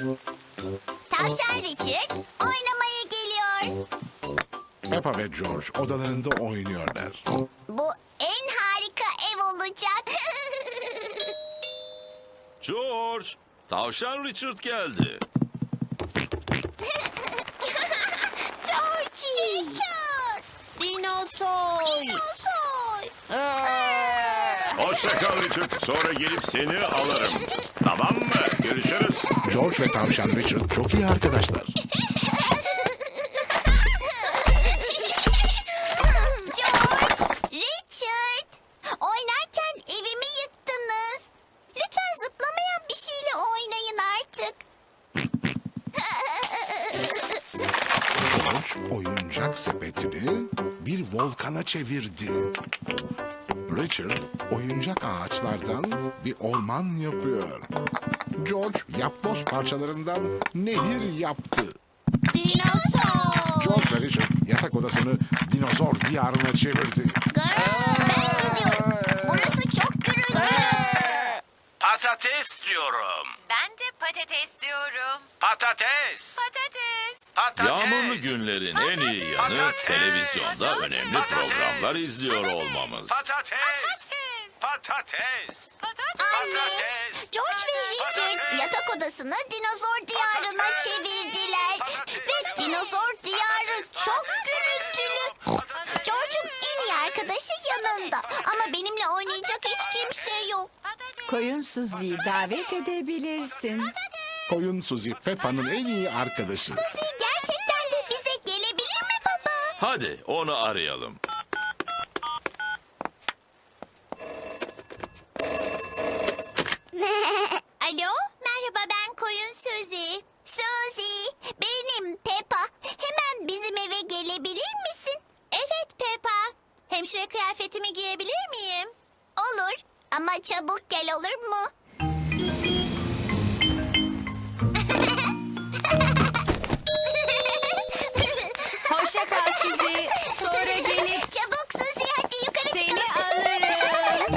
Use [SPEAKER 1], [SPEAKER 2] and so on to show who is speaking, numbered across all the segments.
[SPEAKER 1] Tavşan Richard oynamaya geliyor.
[SPEAKER 2] Peppa ve George odalarında oynuyorlar.
[SPEAKER 1] Bu en harika ev olacak.
[SPEAKER 3] George, tavşan Richard geldi.
[SPEAKER 1] Georgie. Richard.
[SPEAKER 4] Dinozor.
[SPEAKER 1] Dinozor.
[SPEAKER 3] Hoşça kal Richard. Sonra gelip seni alırım. Tamam mı? Görüşürüz.
[SPEAKER 2] George ve tavşan Richard çok iyi arkadaşlar.
[SPEAKER 1] George, Richard. Oynarken evimi yıktınız. Lütfen zıplamayan bir şeyle oynayın artık.
[SPEAKER 2] George oyuncak sepetini bir volkana çevirdi. Richard oyuncak ağaçlardan bir orman yapıyor. George yapboz parçalarından nehir yaptı.
[SPEAKER 1] Dinozor.
[SPEAKER 2] George ve Richard yatak odasını dinozor diyarına çevirdi.
[SPEAKER 1] Ben gidiyorum. Burası çok gürültülü.
[SPEAKER 5] Patates diyorum.
[SPEAKER 6] Ben de patates diyorum.
[SPEAKER 5] Patates.
[SPEAKER 6] Patates.
[SPEAKER 5] Patates.
[SPEAKER 3] Yağmurlu günlerin en iyi yanı
[SPEAKER 5] Patates.
[SPEAKER 3] televizyonda önemli
[SPEAKER 5] Patates.
[SPEAKER 3] programlar izliyor olmamız.
[SPEAKER 5] Patates.
[SPEAKER 6] Patates.
[SPEAKER 5] Patates.
[SPEAKER 6] Patates.
[SPEAKER 1] Anne,
[SPEAKER 5] Patates.
[SPEAKER 1] George ve Richard
[SPEAKER 5] Patates.
[SPEAKER 1] yatak odasını dinozor diyarına
[SPEAKER 5] Patates.
[SPEAKER 1] çevirdiler. Ve dinozor diyarı çok gürültülü. George'un en iyi arkadaşı yanında. Ama benimle oynayacak hiç kimse yok.
[SPEAKER 4] Koyun Suzi'yi davet edebilirsin.
[SPEAKER 2] Koyun Suzy Peppa'nın en iyi arkadaşı.
[SPEAKER 1] Suzy gerçekten de bize gelebilir mi baba?
[SPEAKER 3] Hadi onu arayalım.
[SPEAKER 1] Alo, merhaba ben Koyun Suzy. Suzy, benim Peppa. Hemen bizim eve gelebilir misin? Evet Peppa. Hemşire kıyafetimi giyebilir miyim? Olur ama çabuk gel olur mu?
[SPEAKER 4] Hoşça kal Suzi. Sonra gelip
[SPEAKER 1] Çabuk Suzy hadi yukarı
[SPEAKER 4] seni
[SPEAKER 1] çıkalım.
[SPEAKER 4] alırım.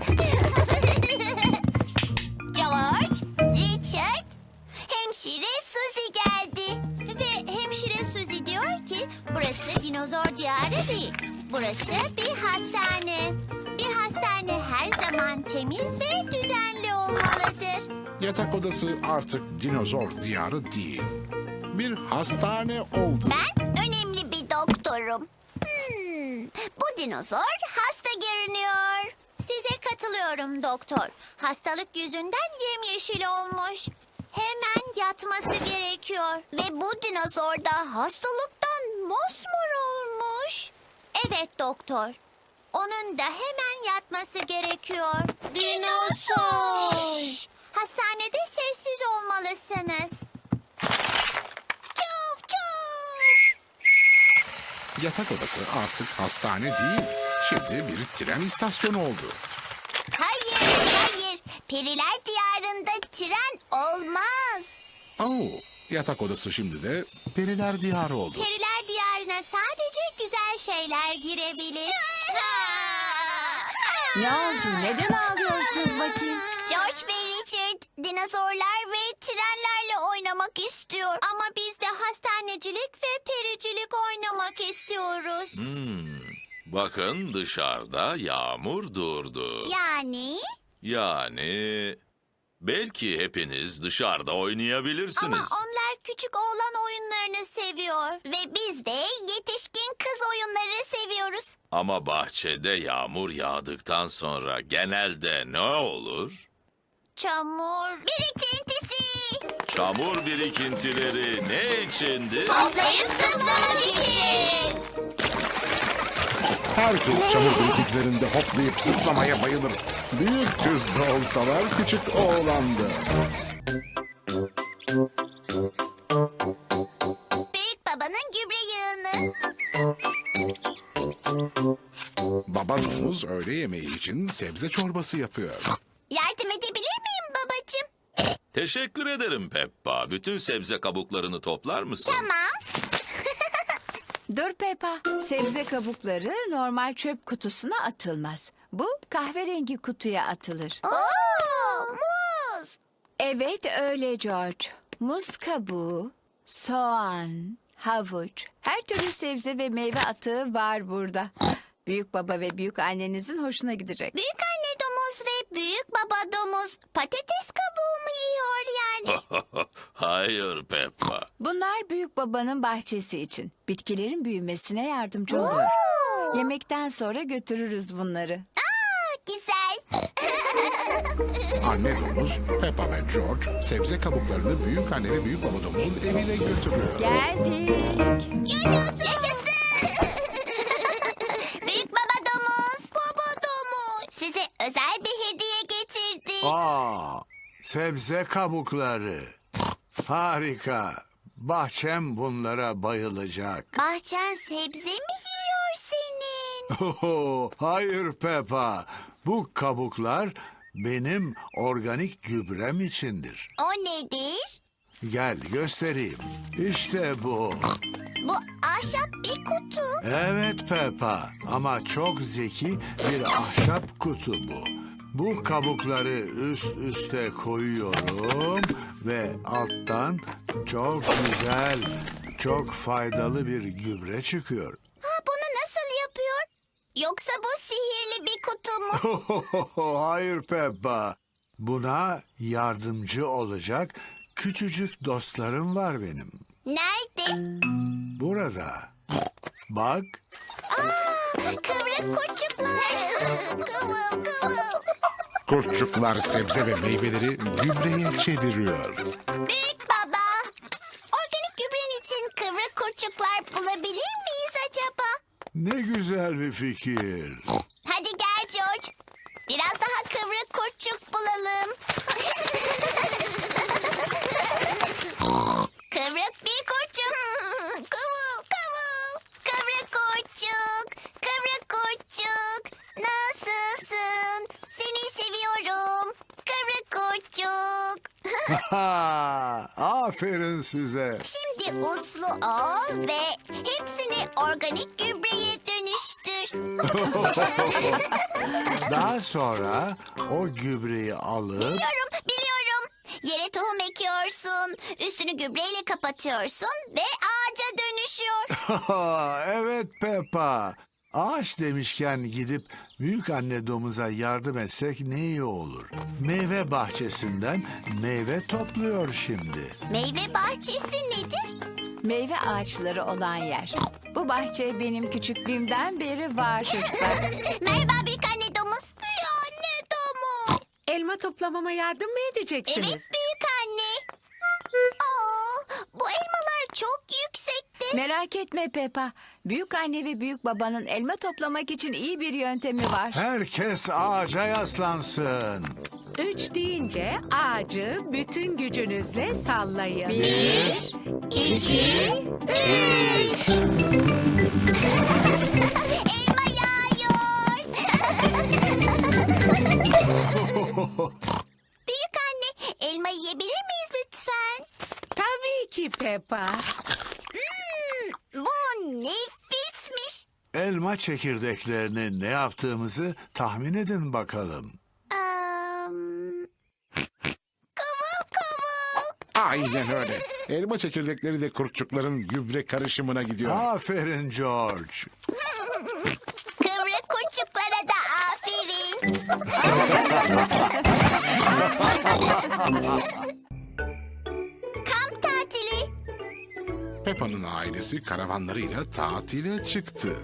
[SPEAKER 1] George, Richard, hemşire Suzy geldi. Ve hemşire Suzy diyor ki burası dinozor diyarı değil. Burası bir hastane. Bir hastane her zaman temiz ve düzenli olmalıdır.
[SPEAKER 2] Yatak odası artık dinozor diyarı değil. Bir hastane oldu.
[SPEAKER 1] Ben önemli bir doktorum. Bu dinozor hasta görünüyor. Size katılıyorum doktor. Hastalık yüzünden yemyeşil olmuş. Hemen yatması gerekiyor. Ve bu dinozor da hastalıktan mosmor olmuş. Evet doktor. Onun da hemen yatması gerekiyor. Dinozor. Hastanede sessiz olmalısınız. Çuf çuf.
[SPEAKER 2] Yatak odası artık hastane değil. Şimdi bir tren istasyonu oldu.
[SPEAKER 1] Hayır, hayır. Periler diyarında tren olmaz.
[SPEAKER 2] Yatak odası şimdi de periler diyarı oldu.
[SPEAKER 1] Periler diyarına sadece güzel şeyler girebilir.
[SPEAKER 4] Ne oldu? Neden ağlıyorsunuz bakayım?
[SPEAKER 1] George ve Richard dinozorlar ve trenlerle oynamak istiyor. Ama biz de hastanecilik ve pericilik oynamak istiyoruz.
[SPEAKER 3] Bakın dışarıda yağmur durdu. Yani belki hepiniz dışarıda oynayabilirsiniz.
[SPEAKER 1] Ama onlar küçük oğlan oyunlarını seviyor. Ve biz de yetişkin kız oyunları seviyoruz.
[SPEAKER 3] Ama bahçede yağmur yağdıktan sonra genelde ne olur?
[SPEAKER 1] Çamur. Birikintisi.
[SPEAKER 3] Çamur birikintileri ne içindi?
[SPEAKER 1] Toplayıp zıplamak için.
[SPEAKER 2] Herkes çamur birikintilerinde hoplayıp zıplamaya bayılır. Büyük kız da olsalar küçük oğlan da.
[SPEAKER 1] Büyük babanın gübre yığını.
[SPEAKER 2] Baba domuz öğle yemeği için sebze çorbası yapıyor.
[SPEAKER 1] Yardım edebilir miyim babacığım?
[SPEAKER 3] Teşekkür ederim Peppa. Bütün sebze kabuklarını toplar mısın?
[SPEAKER 1] Tamam.
[SPEAKER 4] Dur Peppa. Sebze kabukları normal çöp kutusuna atılmaz. Bu kahverengi kutuya atılır.
[SPEAKER 1] Oo, muz.
[SPEAKER 4] Evet öyle George. Muz kabuğu, soğan, havuç, her türlü sebze ve meyve atığı var burada. Büyük baba ve büyük annenizin hoşuna gidecek.
[SPEAKER 1] Büyük anne domuz ve büyük baba domuz patates kabuğu mu yiyor yani?
[SPEAKER 3] Hayır Peppa.
[SPEAKER 4] Bunlar büyük babanın bahçesi için. Bitkilerin büyümesine yardımcı oluyor.
[SPEAKER 1] Oo,
[SPEAKER 4] Yemekten sonra götürürüz bunları.
[SPEAKER 1] güzel.
[SPEAKER 2] Anne domuz, Peppa ve George sebze kabuklarını büyük anne ve büyük baba domuzun evine götürüyor.
[SPEAKER 4] Geldik.
[SPEAKER 1] Yaşasın. Büyük baba domuz. Baba domuz. Size özel bir hediye getirdik.
[SPEAKER 7] Sebze kabukları. Harika. Bahçem bunlara bayılacak.
[SPEAKER 1] Bahçen sebze mi yiyor senin?
[SPEAKER 7] Hayır Peppa. Bu kabuklar benim organik gübrem içindir.
[SPEAKER 1] O nedir?
[SPEAKER 7] Gel göstereyim. İşte bu.
[SPEAKER 1] Bu ahşap bir kutu.
[SPEAKER 7] Evet Peppa ama çok zeki bir ahşap kutu bu. Bu kabukları üst üste koyuyorum ve alttan çok güzel, çok faydalı bir gübre çıkıyor.
[SPEAKER 1] Ha, bunu nasıl yapıyor? Yoksa bu sihirli bir kutu mu?
[SPEAKER 7] Hayır Peppa. Buna yardımcı olacak küçücük dostlarım var benim.
[SPEAKER 1] Nerede?
[SPEAKER 7] Burada. Bak.
[SPEAKER 1] Kıvrık kurçuklar. Kıvıl kıvıl.
[SPEAKER 2] Kurtçuklar sebze ve meyveleri gübreye çeviriyor.
[SPEAKER 1] Büyük baba. Organik gübren için kıvrık kurçuklar bulabilir miyiz acaba?
[SPEAKER 7] Ne güzel bir fikir.
[SPEAKER 1] Hadi gel George. Biraz daha kıvrık kurçuk bulalım. Kıvrık bir kurçuk. Kıvıl kıvıl. Kıvrık kurçuk. Kıvrık kurçuk. Nasılsın? Seni seviyorum. Kıvrık kurçuk.
[SPEAKER 7] Aferin size.
[SPEAKER 1] Şimdi uslu ol ve hepsini organik gübreye dönüştür.
[SPEAKER 7] Daha sonra o gübreyi alıp
[SPEAKER 1] Biliyorum. Yere tohum ekiyorsun, üstünü gübreyle kapatıyorsun ve ağaca dönüşüyor.
[SPEAKER 7] evet Peppa. Ağaç demişken gidip büyük anne domuza yardım etsek ne iyi olur. Meyve bahçesinden meyve topluyor şimdi.
[SPEAKER 1] Meyve bahçesi nedir?
[SPEAKER 4] Meyve ağaçları olan yer. Bu bahçe benim küçüklüğümden beri var çocuklar.
[SPEAKER 1] Merhaba büyük anne domuz. Büyük anne domuz.
[SPEAKER 8] Elma toplamama yardım mı edeceksiniz?
[SPEAKER 1] Evet büyük anne. Bu elmalar çok yüksekti.
[SPEAKER 4] Merak etme Peppa. Büyük anne ve büyük babanın elma toplamak için iyi bir yöntemi var.
[SPEAKER 7] Herkes ağaca yaslansın.
[SPEAKER 8] 3 deyince ağacı bütün gücünüzle sallayın.
[SPEAKER 4] 1, 2,
[SPEAKER 1] Elma yağıyor. Büyük anne elma yiyebilir miyiz lütfen?
[SPEAKER 8] Tabii ki Peppa.
[SPEAKER 1] Bu nefismiş.
[SPEAKER 7] Elma çekirdeklerini ne yaptığımızı tahmin edin bakalım.
[SPEAKER 1] Kıvıl kıvıl.
[SPEAKER 2] Aynen öyle. Elma çekirdekleri de kurtçukların gübre karışımına gidiyor.
[SPEAKER 7] Aferin George.
[SPEAKER 1] Kıvrık kurçuklara da aferin. Kamp tatili.
[SPEAKER 2] Peppa'nın ailesi karavanlarıyla tatile çıktı.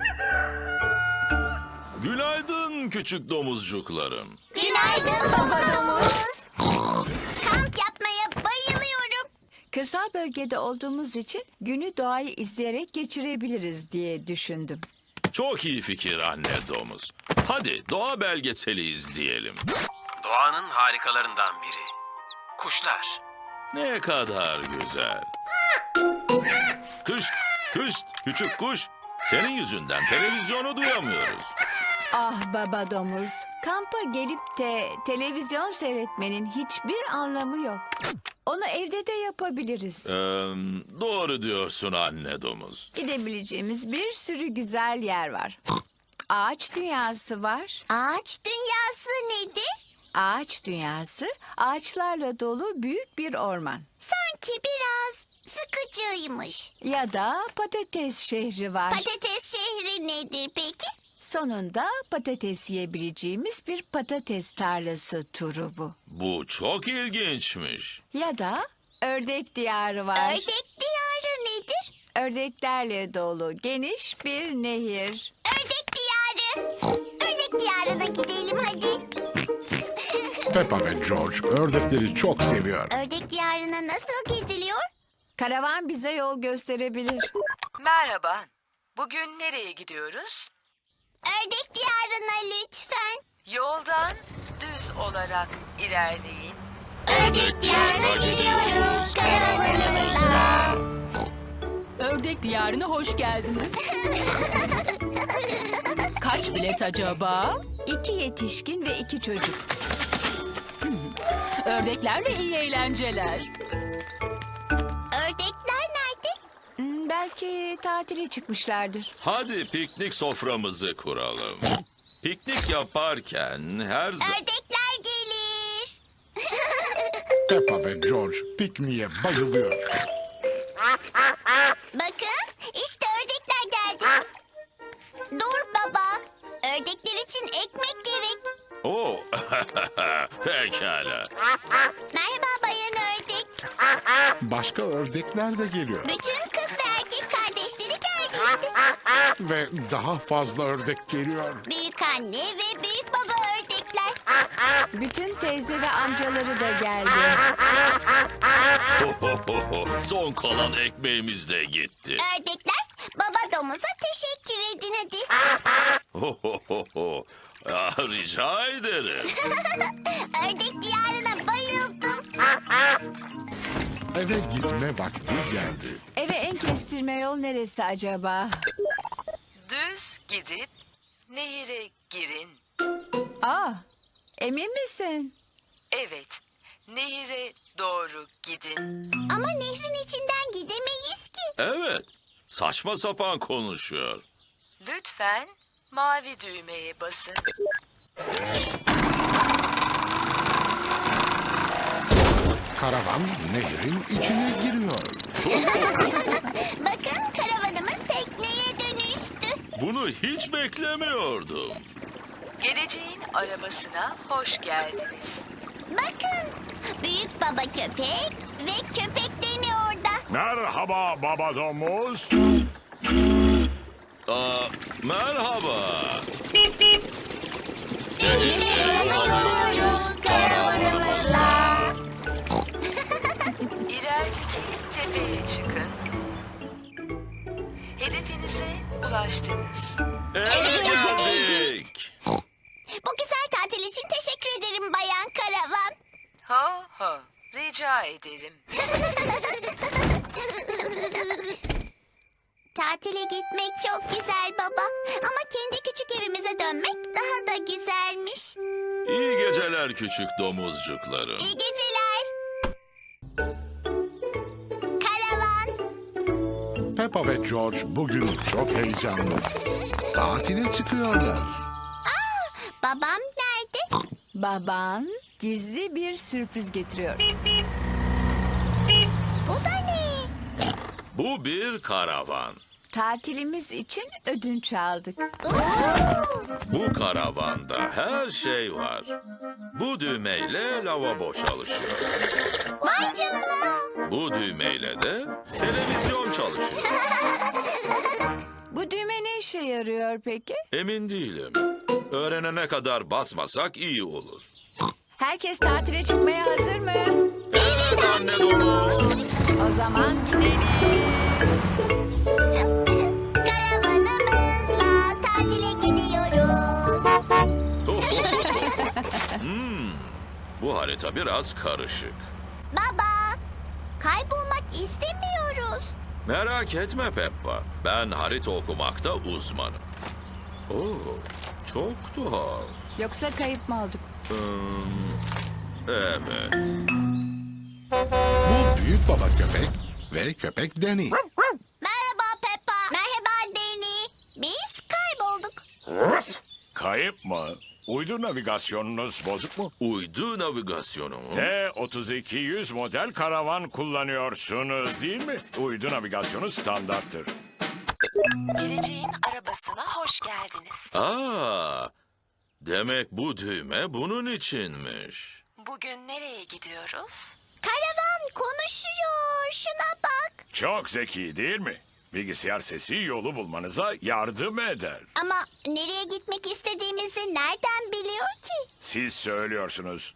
[SPEAKER 3] Günaydın küçük domuzcuklarım.
[SPEAKER 1] Günaydın baba domuz. Kamp yapmaya bayılıyorum.
[SPEAKER 4] Kırsal bölgede olduğumuz için günü doğayı izleyerek geçirebiliriz diye düşündüm.
[SPEAKER 3] Çok iyi fikir anne domuz. Hadi doğa belgeseli izleyelim.
[SPEAKER 5] Doğanın harikalarından biri. Kuşlar.
[SPEAKER 3] Ne kadar güzel. Kış, kış, küçük kuş. Senin yüzünden televizyonu duyamıyoruz.
[SPEAKER 4] Ah baba domuz, kampa gelip de televizyon seyretmenin hiçbir anlamı yok. Onu evde de yapabiliriz.
[SPEAKER 3] Doğru diyorsun anne domuz.
[SPEAKER 4] Gidebileceğimiz bir sürü güzel yer var. Ağaç dünyası var.
[SPEAKER 1] Ağaç dünyası nedir?
[SPEAKER 4] Ağaç dünyası, ağaçlarla dolu büyük bir orman.
[SPEAKER 1] Sanki biraz sıkıcıymış.
[SPEAKER 4] Ya da patates şehri var.
[SPEAKER 1] Patates şehri nedir peki?
[SPEAKER 4] Sonunda patates yiyebileceğimiz bir patates tarlası turu bu.
[SPEAKER 9] Bu çok ilginçmiş.
[SPEAKER 4] Ya da ördek diyarı var.
[SPEAKER 1] Ördek diyarı nedir?
[SPEAKER 4] Ördeklerle dolu geniş bir nehir.
[SPEAKER 1] Ördek diyarı. Ördek diyarına gidelim hadi.
[SPEAKER 2] Peppa ve George ördekleri çok seviyor.
[SPEAKER 1] Ördek diyarına nasıl gidiliyor?
[SPEAKER 4] Karavan bize yol gösterebilir.
[SPEAKER 10] Merhaba. Bugün nereye gidiyoruz?
[SPEAKER 1] Ördek diyarına lütfen.
[SPEAKER 10] Yoldan düz olarak ilerleyin.
[SPEAKER 1] Ördek diyarına gidiyoruz karavanımızla.
[SPEAKER 11] Ördek diyarına hoş geldiniz. Kaç bilet acaba?
[SPEAKER 4] 2 yetişkin ve 2 çocuk.
[SPEAKER 11] Ördeklerle iyi eğlenceler.
[SPEAKER 1] Ördekler nerede?
[SPEAKER 4] Belki tatile çıkmışlardır.
[SPEAKER 9] Hadi piknik soframızı kuralım. Piknik yaparken her zaman...
[SPEAKER 1] Ördekler gelir.
[SPEAKER 2] Peppa ve George pikniğe bayılıyor.
[SPEAKER 1] Bakın işte ördekler geldi. Dur baba. Ördekler için ekmek gerek.
[SPEAKER 9] Oo, pekala.
[SPEAKER 1] Merhaba bayan ördek.
[SPEAKER 2] Başka ördekler de geliyor.
[SPEAKER 1] Bütün kız ve erkek kardeşleri geldi işte.
[SPEAKER 2] Ve daha fazla ördek geliyor.
[SPEAKER 1] Büyük anne ve büyük baba ördekler.
[SPEAKER 4] Bütün teyze ve amcaları da geldi.
[SPEAKER 9] Son kalan ekmeğimiz de gitti.
[SPEAKER 1] Ördekler baba domuza teşekkür edin hadi.
[SPEAKER 9] Rica ederim.
[SPEAKER 1] Ördek diyarına bayıldım.
[SPEAKER 2] Eve gitme vakti geldi.
[SPEAKER 4] Eve en kestirme yol neresi acaba?
[SPEAKER 10] Düz gidip nehire girin.
[SPEAKER 4] Aa, emin misin?
[SPEAKER 10] Evet, nehire doğru gidin.
[SPEAKER 1] Ama nehrin içinden gidemeyiz ki.
[SPEAKER 9] Evet, saçma sapan konuşuyor.
[SPEAKER 10] Lütfen mavi düğmeye basın.
[SPEAKER 2] Karavan nehrin içine giriyor.
[SPEAKER 1] Bakın karavanımız tekneye dönüştü.
[SPEAKER 9] Bunu hiç beklemiyordum.
[SPEAKER 10] Geleceğin arabasına hoş geldiniz.
[SPEAKER 1] Bakın büyük baba köpek ve köpeklerini orada.
[SPEAKER 3] Merhaba baba domuz.
[SPEAKER 9] Merhaba.
[SPEAKER 1] Nehire yollanıyoruz karavanımızla.
[SPEAKER 10] İlerideki tepeye çıkın. Hedefinize ulaştınız.
[SPEAKER 9] Eve geldik.
[SPEAKER 1] Bu güzel tatil için teşekkür ederim bayan karavan.
[SPEAKER 10] Ho ho, rica ederim.
[SPEAKER 1] Tatile gitmek çok güzel baba. Ama kendi küçük evimize dönmek daha da güzelmiş.
[SPEAKER 9] İyi geceler küçük domuzcuklarım.
[SPEAKER 1] İyi geceler. Karavan.
[SPEAKER 2] Peppa ve George bugün çok heyecanlı. Tatile çıkıyorlar.
[SPEAKER 1] Babam nerede?
[SPEAKER 4] Baban gizli bir sürpriz getiriyor.
[SPEAKER 1] Bu da ne?
[SPEAKER 9] Bu bir karavan.
[SPEAKER 4] Tatilimiz için ödünç aldık.
[SPEAKER 9] Bu karavanda her şey var. Bu düğmeyle lavabo çalışıyor.
[SPEAKER 1] Vay canına.
[SPEAKER 9] Bu düğmeyle de televizyon çalışıyor.
[SPEAKER 4] Bu düğme ne işe yarıyor peki?
[SPEAKER 9] Emin değilim. Öğrenene kadar basmasak iyi olur.
[SPEAKER 4] Herkes tatile çıkmaya hazır mı?
[SPEAKER 9] Evet anne domuz.
[SPEAKER 4] O zaman gidelim.
[SPEAKER 1] Karavanımızla tatile gidiyoruz.
[SPEAKER 9] Bu harita biraz karışık.
[SPEAKER 1] Baba, kaybolmak istemiyoruz.
[SPEAKER 9] Merak etme Peppa. Ben harita okumakta uzmanım. Oo, çok tuhaf.
[SPEAKER 4] Yoksa kayıp mı olduk?
[SPEAKER 9] Evet.
[SPEAKER 2] Bu büyük baba köpek ve köpek Danny.
[SPEAKER 1] Merhaba Peppa. Merhaba Deni. Biz kaybolduk.
[SPEAKER 3] Kayıp mı? Uydu navigasyonunuz bozuk mu?
[SPEAKER 9] Uydu navigasyonu mu?
[SPEAKER 3] T-3200 model karavan kullanıyorsunuz değil mi? Uydu navigasyonu standarttır.
[SPEAKER 10] Geleceğin arabasına hoş geldiniz.
[SPEAKER 9] Aa, demek bu düğme bunun içinmiş.
[SPEAKER 10] Bugün nereye gidiyoruz?
[SPEAKER 1] Karavan konuşuyor. Şuna bak.
[SPEAKER 3] Çok zeki değil mi? Bilgisayar sesi yolu bulmanıza yardım eder.
[SPEAKER 1] Ama nereye gitmek istediğimizi nereden biliyor ki?
[SPEAKER 3] Siz söylüyorsunuz.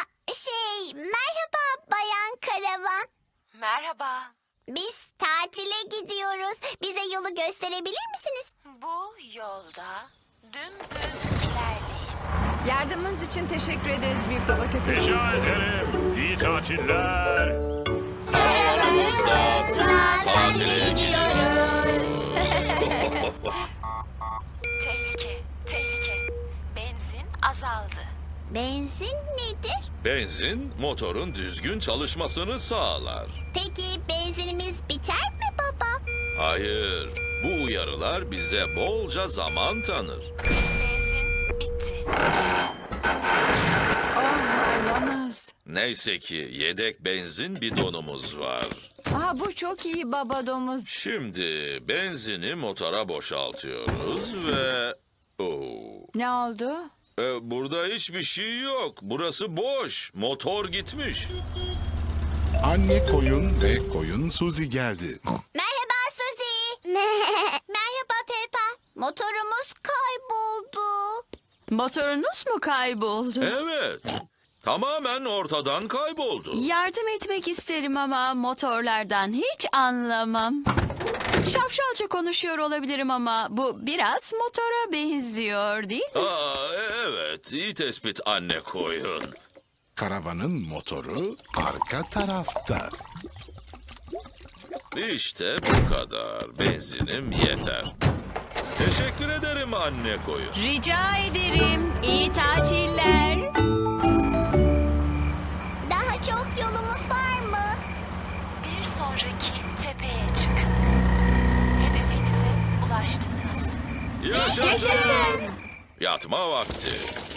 [SPEAKER 1] Merhaba Bayan Karavan.
[SPEAKER 10] Merhaba.
[SPEAKER 1] Biz tatile gidiyoruz. Bize yolu gösterebilir misiniz?
[SPEAKER 10] Bu yolda dümdüz ilerleyin.
[SPEAKER 4] Yardımınız için teşekkür ederiz Büyük Baba Köpek.
[SPEAKER 3] Rica ederim. İyi tatiller.
[SPEAKER 1] Karavanımızla tatile gidiyoruz.
[SPEAKER 10] Tehlike, tehlike. Benzin azaldı.
[SPEAKER 1] Benzin nedir?
[SPEAKER 9] Benzin motorun düzgün çalışmasını sağlar.
[SPEAKER 1] Peki benzinimiz biter mi baba?
[SPEAKER 9] Hayır, bu uyarılar bize bolca zaman tanır.
[SPEAKER 10] Benzin bitti.
[SPEAKER 4] Oh, olamaz.
[SPEAKER 9] Neyse ki yedek benzin bidonumuz var.
[SPEAKER 4] Aa, bu çok iyi baba domuz.
[SPEAKER 9] Şimdi benzini motora boşaltıyoruz ve... Oo.
[SPEAKER 4] Ne oldu?
[SPEAKER 9] Burada hiçbir şey yok. Burası boş. Motor gitmiş.
[SPEAKER 2] Anne koyun ve koyun Suzy geldi.
[SPEAKER 1] Merhaba Suzy. Merhaba Peppa. Motorumuz kayboldu.
[SPEAKER 11] Motorunuz mu kayboldu?
[SPEAKER 9] Evet. Tamamen ortadan kayboldu.
[SPEAKER 11] Yardım etmek isterim ama motorlardan hiç anlamam. Şapşalca konuşuyor olabilirim ama bu biraz motora benziyor değil mi?
[SPEAKER 9] Evet. İyi tespit anne koyun.
[SPEAKER 2] Karavanın motoru arka tarafta.
[SPEAKER 9] İşte bu kadar. Benzinim yeter. Teşekkür ederim anne koyun.
[SPEAKER 11] Rica ederim. İyi tatiller.
[SPEAKER 1] Daha çok yolumuz var mı?
[SPEAKER 10] Bir sonraki tepeye çıkın. Hedefinize ulaştınız.
[SPEAKER 9] Yaşasın. Yatma vakti.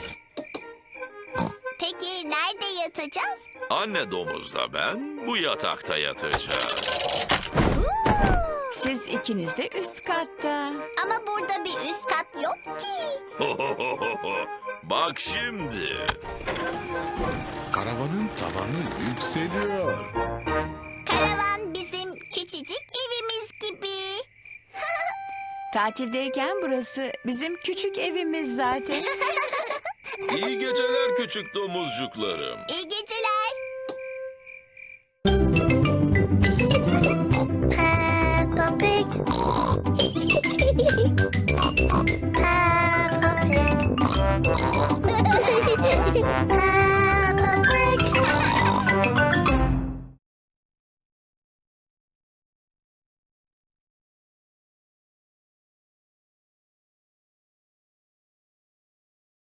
[SPEAKER 1] Peki nerede yatacağız?
[SPEAKER 9] Anne domuzla ben bu yatakta yatacağız.
[SPEAKER 4] Siz ikiniz de üst katta.
[SPEAKER 1] Ama burada bir üst kat yok ki.
[SPEAKER 9] Bak şimdi.
[SPEAKER 2] Karavanın tavanı yükseliyor.
[SPEAKER 1] Karavan bizim küçücük evimiz gibi.
[SPEAKER 4] Tatildeyken burası bizim küçük evimiz zaten.
[SPEAKER 9] İyi geceler küçük domuzcuklarım.
[SPEAKER 1] İyi geceler. Peppa Pig.